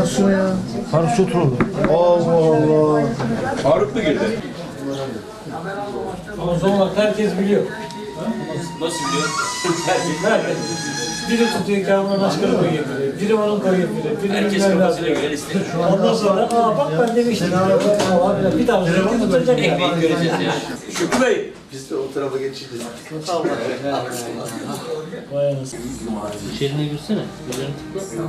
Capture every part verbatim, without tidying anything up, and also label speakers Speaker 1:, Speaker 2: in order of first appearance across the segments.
Speaker 1: anasını ya.
Speaker 2: Faruk Çoturoğlu.
Speaker 1: Allah Allah.
Speaker 3: Faruk mu girdi?
Speaker 2: Ama Zonguldak herkes biliyor.
Speaker 3: Nasıl diyor?
Speaker 2: Herkes. Biri tutuyor Kamran Aşkır'ı koyuyor biri. Biri onun koyuyor biri. Biri
Speaker 3: Herkes
Speaker 2: bilmem
Speaker 3: kafasına
Speaker 2: ne.
Speaker 3: göre liste.
Speaker 2: Ondan sonra aa bak ben demiştim. Aa, bir daha sonra tutacak ya.
Speaker 3: Ekmeği göreceğiz ya. Şükrü Bey.
Speaker 1: Biz de o tarafa geçeceğiz.
Speaker 2: Vay anasını.
Speaker 4: İçerine girsene. Üzerine tıkla.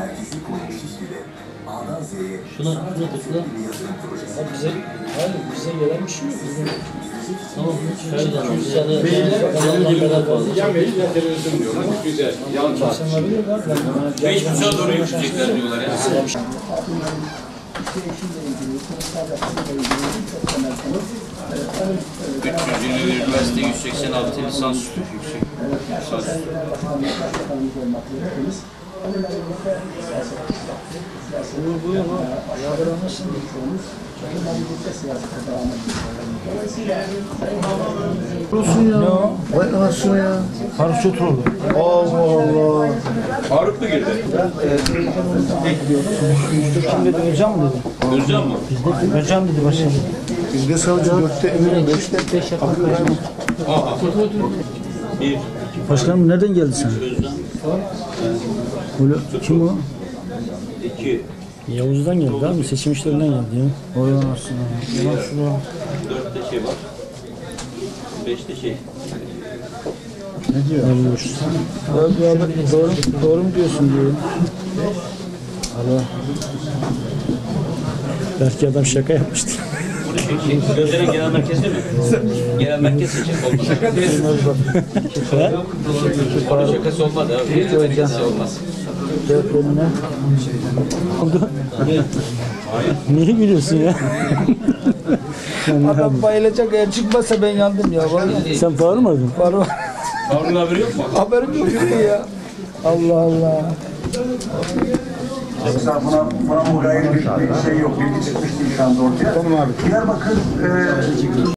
Speaker 4: Şuna, şuna tıkla.
Speaker 2: Abi bize, hayır bize gelen bir şey yok. Bizim
Speaker 4: Tamam. Şöyle üç tane yanına kadar fazla.
Speaker 3: televizyon diyorlar. Güzel. Yan
Speaker 2: insanlar biliyor lan.
Speaker 3: Beş buçuğa doğru yürüyecekler diyorlar ya. üç yüz yirmi üniversite yüz seksen altı lisans yüksek. Lisans.
Speaker 2: Buyur buyur ha. Yardıramazsın.
Speaker 1: Olsun ya. Vay anasını ya.
Speaker 2: Faruk Çoturoğlu.
Speaker 1: Allah Allah.
Speaker 3: Faruk mu girdi?
Speaker 2: Kim dedi? Özcan mı dedi?
Speaker 3: Özcan mı?
Speaker 2: Özcan dedi başkanım.
Speaker 1: Bizde savcı dörtte eminim beşte.
Speaker 3: Aha. Bir.
Speaker 2: Başkanım nereden geldi sen?
Speaker 3: Özcan.
Speaker 2: Böyle, kim o?
Speaker 3: İki.
Speaker 2: Yavuz'dan geldi abi. Seçim işlerinden geldi ya. Oy anasını. Ulan şuraya.
Speaker 3: Dörtte şey var. Beşte şey.
Speaker 2: Ne diyor? Abi, abi, doğru, doğru mu diyorsun diyor. Allah. Belki adam şaka yapmıştı.
Speaker 3: Gözlerin genel merkezde mi? Genel merkez seçim olmaz. Şaka değil. Onun şakası olmaz abi. Şakası olmaz.
Speaker 2: Cevap önüne. Oldu. Niye gülüyorsun ya?
Speaker 5: Adam bayılacak eğer çıkmazsa ben yandım ya. Vallahi.
Speaker 2: Sen Faruk mu aradın?
Speaker 5: Var var.
Speaker 3: Harun haberi yok mu?
Speaker 5: Haberim yok ya. Allah Allah.
Speaker 6: Yoksa buna, buna mugayir bir, bir şey yok. Bilgi çıkmış değil şu anda ortaya. Tamam abi. Diyarbakır e,